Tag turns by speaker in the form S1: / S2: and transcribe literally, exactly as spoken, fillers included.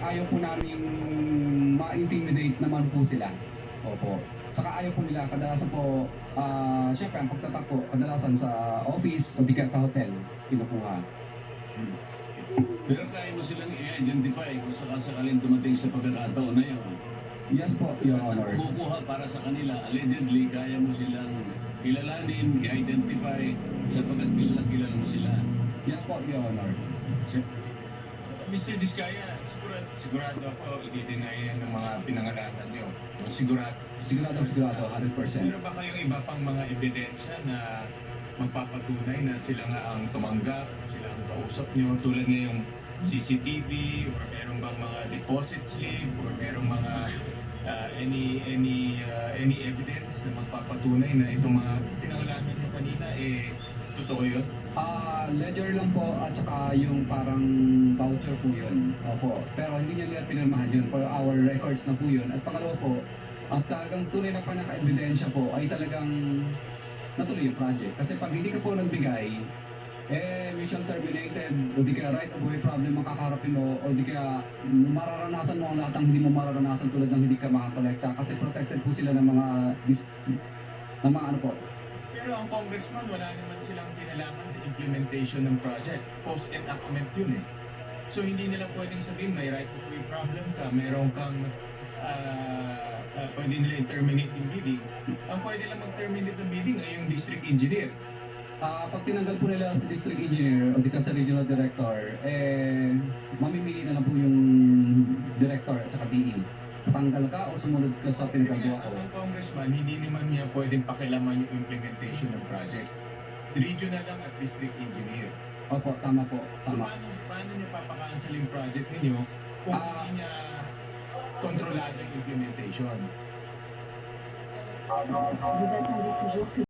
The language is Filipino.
S1: ayaw po namin ma-intimidate naman po sila. Opo. Saka ayaw po nila, kadalasan po, ah, syempre ang pagtatak po, kadalasan sa office o di kaya sa hotel, kinukuha.
S2: Hmm. Pero kaya mo silang i-identify kung sakasakaling dumating sa pagkakataon na yun.
S1: Yes po, Your Honor.
S2: At kukuha para sa kanila, allegedly, kaya mo silang kilalanin, i-identify sapagkat kilala kilala mo sila.
S1: Yes po, Your Honor.
S3: mister Diskaya, sigurado, sigurado ako i-deny yan ng mga pinangalanan nyo. Sigurado.
S1: Sigurado, sigurado, one hundred percent.
S3: Meron ba kayong iba pang mga ebidensya na magpapatunay na sila nga ang tumanggap, sila ang kausap nyo, tulad ngayong C C T V, or meron bang mga deposit slip, or meron mga uh, any any uh, any evidence na magpapatunay na itong mga pinangalanan nyo kanina, eh, totoo yun?
S1: Ah, ledger lang po at saka yung parang voucher po yun. Opo. Pero hindi niya nila pinirmahan yun. For our records na po yun. At pangalawa po, ang talagang tunay na panaka-ebidensya po ay talagang natuloy yung project. Kasi pag hindi ka po nagbigay, eh, mission terminated, o di kaya right of way problem ang kakaharapin mo, o di kaya mararanasan mo ang lahat ng hindi mo mararanasan tulad ng hindi ka makakolekta. Kasi protected po sila ng mga, dis, ng mga ano po.
S3: Pero ang congressman, wala naman silang kinalaman sa implementation ng project. Post-enactment yun eh. So hindi nila pwedeng sabihin may right of way problem ka, meron kang uh, uh, pwede nila terminate yung bidding. Ang pwede lang mag-terminate ng bidding ay yung district engineer.
S1: Ah, pag tinanggal po nila si district engineer o di ka sa regional director, eh, mamimili na lang po yung director at saka D E. Tanggal ka o sumunod ka sa
S3: Kaya
S1: pinagagawa ko.
S3: ang congressman, hindi naman niya pwedeng pakilaman yung implementation ng project. Regional lang at district engineer.
S1: Opo, tama po,
S3: So
S1: tama.
S3: paano, paano niya papakancel yung project ninyo kung
S1: Ah.
S3: hindi niya kontrolado yung implementation?
S4: Vous attendez toujours que